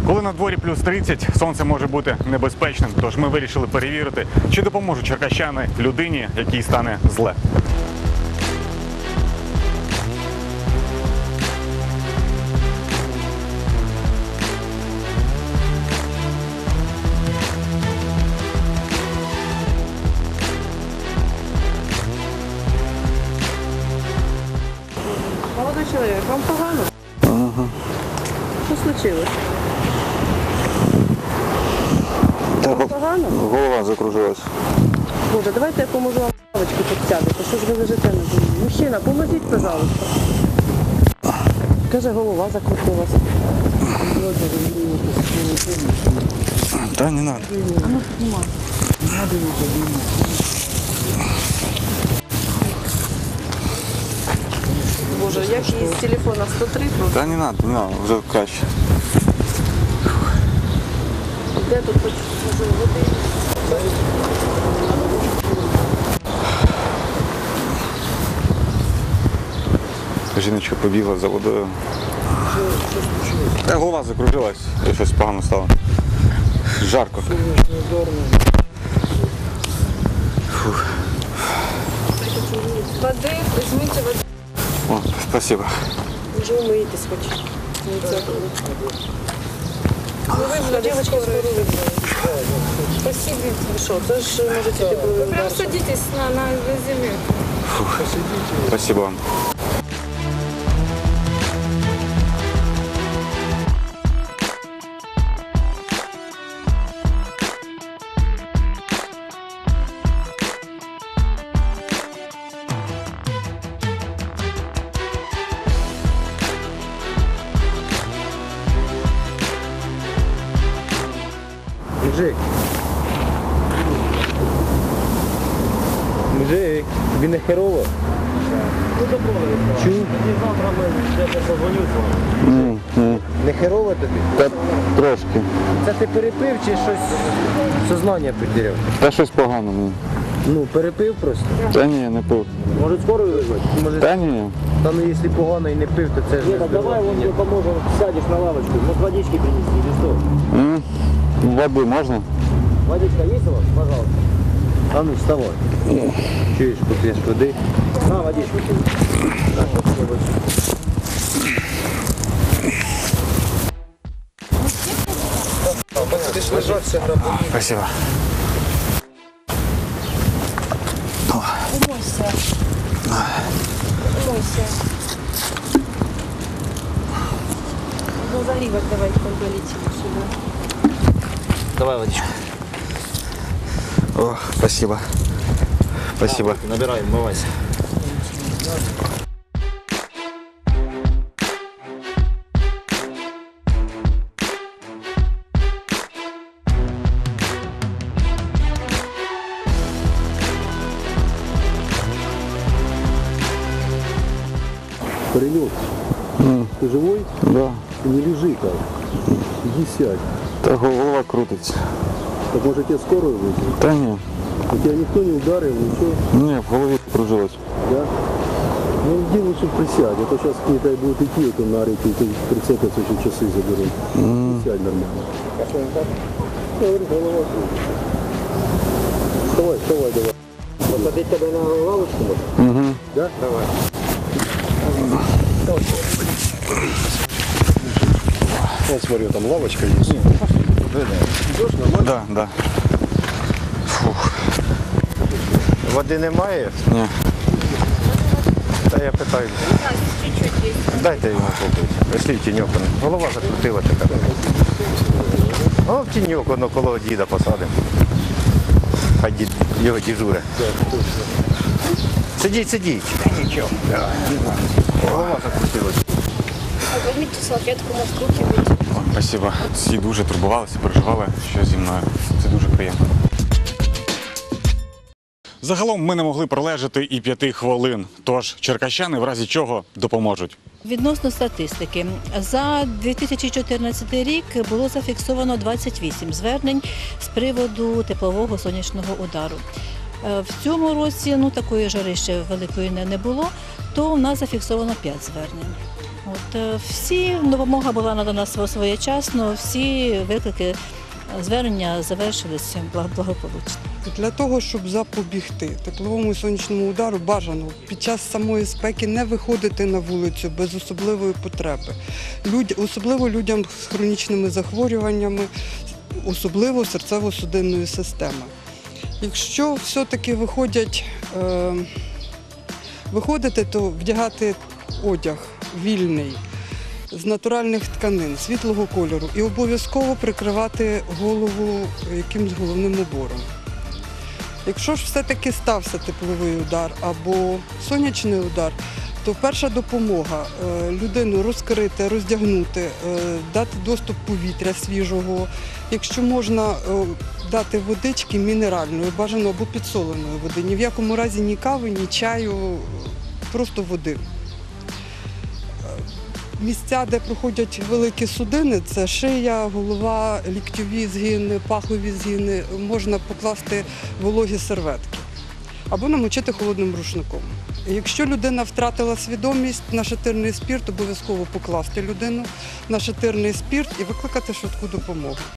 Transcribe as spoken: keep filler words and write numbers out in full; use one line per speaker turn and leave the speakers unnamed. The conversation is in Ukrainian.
Коли на дворі плюс тридцять, сонце може бути небезпечним, тож ми вирішили перевірити, чи допоможуть черкащани людині, якій стане зле.
Молодой человек, вам погано?
Ага.
Що случилось?
Та
Вам погано?
голова закружилась.
Боже, давайте я поможу вам лавочку підсядете. Що ж ви лежите на землі? Мужчина, поможіть, пожалуйста. Каже, голова закрутилась.
Та не надо.
А ну піднімай. Боже, як її з телефона сто три просто.
Та не надо, не надо, вже краще.
Де тут хоч може води?
Жіночка побігла за водою. Та голова закружилась, і щось погано стало. Жарко. Фух.
Води, візьміть води.
О, спасибо.
Може умийтесь хоч. Ну ви, девочка, скоро вибрали. Спасибо. Ви що, це ж можете тебе
Прям садитесь на, на землю.
Фух. Спасибо вам.
Мужик. Мужик, тобі не херово? Чув?
Ні, ні.
Не херово тобі?
Та трошки.
Це ти перепив чи щось сознання потеряв?
Та щось погано мені.
Ну, перепив просто.
Та ні, не пив.
Може скоро визвати? Може,
Та ні.
та ну якщо погано і не пив, то це ж не
Давай он тебе поможем, сядешь на лавочку, может водички принести или что?
М? Води можна?
Водичка есть у вас? Пожалуйста.
А ну вставай. Чуєш, поп'єш води.
На, водичку.
Будеш лежатися на
Спасибо.
Умойся. Умойся. Ну, загривок давай полетим сюда.
Давай водичку.
О, спасибо. Спасибо.
Набираем, умывайся.
Паренек,
М,
ты живой?
Да.
Ты не лежи так. Иди сядь.
Та голова крутиться.
Так может тебе скорую вызвать?
Та ні.
У тебя никто не ударил, ничего,
Ні, в голові кружилось.
да? Ну иди лучше присядь, а то сейчас не дай будут идти вот на реке, и прицепятся, еще часы заберут. Присядь нормально. Я говорю, голова крутится. Вставай, вставай, давай.
Посадить тебя на лавочку можно?
Угу.
Да?
Давай.
Вот смотри, там лавочка есть.
Да, да. Фух.
Води немає?
Ні.
Та я питаю. Дайте йому попити. Пішли в тіньок. Голова закрутила така. О, в тіньок, воно коло діда посадимо. Хай дід його діжуре. Сидіть, сидіть. Нічого. Голова закрутилась.
Возьмите салфетку, может, руки выйти.
О, спасибо. Всі дуже турбувалися, переживали, що зі мною. Це дуже приємно. Загалом ми не могли пролежати і п'яти хвилин, тож черкащани в разі чого допоможуть.
Відносно статистики, за дві тисячі чотирнадцятий рік було зафіксовано двадцять вісім звернень з приводу теплового сонячного удару. В цьому році ну, такої жари ще великої не було, то у нас зафіксовано п'ять звернень. От, е, всі допомога була надана сво- своєчасно, всі виклики, е, звернення завершилися благ- благополучно.
Для того, щоб запобігти тепловому і сонячному удару, бажано під час самої спеки не виходити на вулицю без особливої потреби. Люд... Особливо людям з хронічними захворюваннями, особливо серцево-судинної системи. Якщо все-таки виходять, е... виходити, то вдягати одяг вільний, з натуральних тканин, світлого кольору і обов'язково прикривати голову якимсь головним убором. Якщо ж все-таки стався тепловий удар або сонячний удар, то перша допомога е, людину розкрити, роздягнути, е, дати доступ повітря свіжого. Якщо можна, е, дати водички мінеральної, бажано або підсоленої води. Ні в якому разі ні кави, ні чаю, просто води. Місця, де проходять великі судини, це шия, голова, ліктьові згини, пахові згини, можна покласти вологі серветки або намочити холодним рушником. Якщо людина втратила свідомість, нашатирний спирт обов'язково покласти людину, нашатирний спирт і викликати швидку допомогу.